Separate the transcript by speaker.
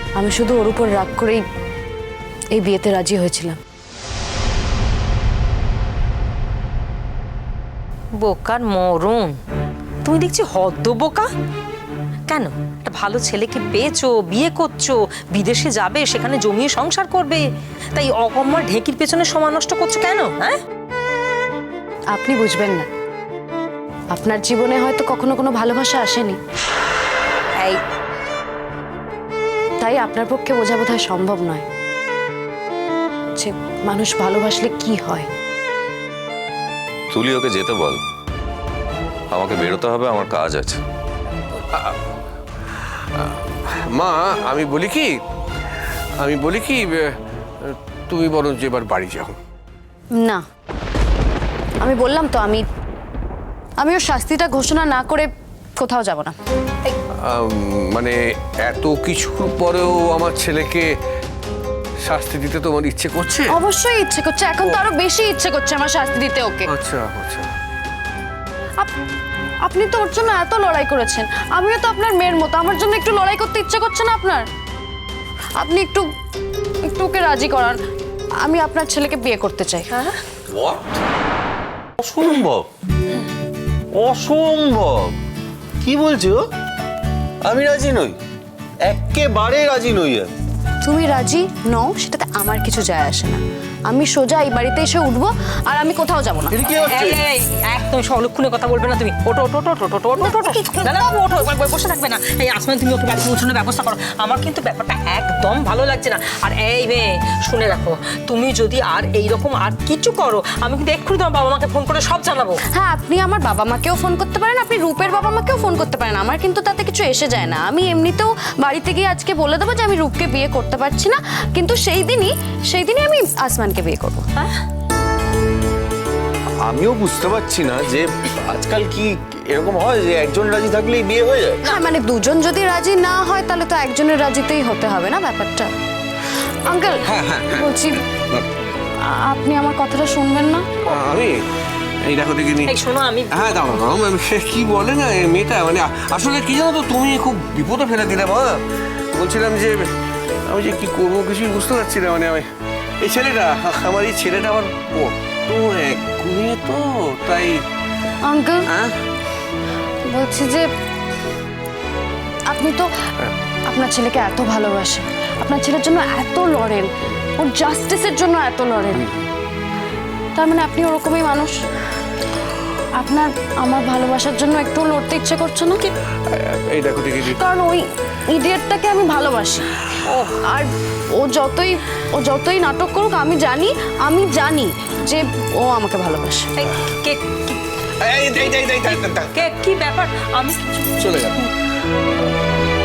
Speaker 1: আমি শুধু ওর উপর রাগ করেই এই বিয়েতে রাজি হয়েছিলাম।
Speaker 2: বোকার মরণ, তুমি দেখছি হদ্দ বোকা। কেন একটা ভালো ছেলেকে পেয়েছো, বিয়ে করছো, বিদেশে যাবে, সেখানে জমিয়ে সংসার করবে, তাই অকম্মার ঢেকির পেছনে সময় নষ্ট করছো কেন? হ্যাঁ,
Speaker 1: আপনি বুঝবেন না, আপনার জীবনে হয়তো কখনো কোনো ভালোবাসা আসেনি,
Speaker 2: এই
Speaker 1: তাই আপনার পক্ষে বোঝা বোধহয় সম্ভব নয় যে মানুষ ভালোবাসলে কি হয়।
Speaker 3: তুলি ওকে যেতে বল, আমাকে বেরোতে হবে, আমার কাজ আছে।
Speaker 4: মা আমি বলি কি তুমি বরঞ্চ এবার বাড়ি যাও।
Speaker 1: না, আমি বললাম তো আমি ওর শাস্তিটা ঘোষণা না করে কোথাও যাব না।
Speaker 4: মানে এত কিছুর পরেও আমার ছেলেকে শাস্তি দিতে তোমার ইচ্ছে করছে?
Speaker 1: অবশ্যই ইচ্ছে করছে, এখন তো আরো বেশি ইচ্ছে করছে আমার শাস্তি দিতে ওকে।
Speaker 4: আচ্ছা আচ্ছা,
Speaker 1: আপনি তো ওর জন্য এত লড়াই করেছেন, আমিও তো আপনার মেয়ের মতো, আমার জন্য একটু লড়াই করতে ইচ্ছে করছে না আপনার? আপনি একটু একটু ওকে রাজি করান, আমি আপনার ছেলেকে বিয়ে করতে চাই।
Speaker 3: অসম্ভব, অসম্ভব। কি বলছো? আমি রাজি নই, একেবারে রাজি নই।
Speaker 1: তুমি রাজি নও সেটাতে আমার কিছু যায় আসে না, আমি সোজা এই বাড়িতে এসে উঠবো আর আমি কোথাও যাব না।
Speaker 2: একদম অলক্ষণে কথা বলবে না তুমি। ওটো ওটো ওটো ওটো ওটো ওটো ওটো, না না ওটো, বসে থাকবে না। এই আসমান, তুমি ওকে বাড়ি পৌঁছানোর ব্যবস্থা করো। আমার কিন্তু ব্যাপারটা একদম ভালো লাগছে না। আর এই মেয়ে, শুনে রাখো, তুমি যদি আর এইরকম আর কিছু করো, আমি কিন্তু এক্ষুনি তোমার বাবা মাকে ফোন করে সব জানাবো।
Speaker 1: হ্যাঁ, আপনি আমার বাবা মাকেও ফোন করতে পারেন, আপনি রূপের বাবা মাকেও ফোন করতে পারেন, আমার কিন্তু তাতে কিছু এসে যায় না। আমি এমনিতেও বাড়িতে গিয়ে আজকে বলে দেবো যে আমি রূপকে বিয়ে করতে পারছি না, কিন্তু সেই দিনই আমি আসমানকে বিয়ে করবো।
Speaker 2: হ্যাঁ,
Speaker 3: আমিও বুঝতে পারছি না যে আজকাল কি এরকম হয় যে একজন রাজি থাকলেই বিয়ে হয়ে যায়।
Speaker 1: হ্যাঁ, মানে দুজন যদি রাজি না হয় তাহলে তো একজনের রাজিতেই হতে হবে না ব্যাপারটা। আঙ্কেল, বলছি আপনি আমার কথাটা শুনবেন না?
Speaker 4: আমি এই দেখো দেখিনি।
Speaker 2: এই শোনো, আমি
Speaker 4: হ্যাঁ দাঁড়াও দাঁড়াও, সে কি বলে না এই মেয়েটা, মানে আসলে কি জানো তো, তুমি খুব বিপদে ফেলে দিলে মা। বলছিলাম যে আমি যে কি করবো কিছুই বুঝতে পারছি না। মানে আমি এই ছেলেটা আমার তো এক্ষুনি তো তাই।
Speaker 1: আঙ্কেল,
Speaker 4: হ্যাঁ
Speaker 1: বলছি যে আপনি তো আপনার ছেলেকে এত ভালোবাসেন, আপনার ছেলের জন্য এত লড়েন, ওর জাস্টিসের জন্য এত লড়েন, তার মানে আপনি ওরকমই মানুষ। আপনার আমার ভালোবাসার জন্য একটু লড়তে ইচ্ছে করছে না?
Speaker 4: এই দেখো দেখি,
Speaker 1: কারণ ওই ইডিয়েটটাকে আমি ভালোবাসি, আর ও যতই নাটক করুক আমি জানি যে ও আমাকে ভালোবাসে।
Speaker 2: এই, কে কি ব্যাপার? আমি
Speaker 4: চলে গেল।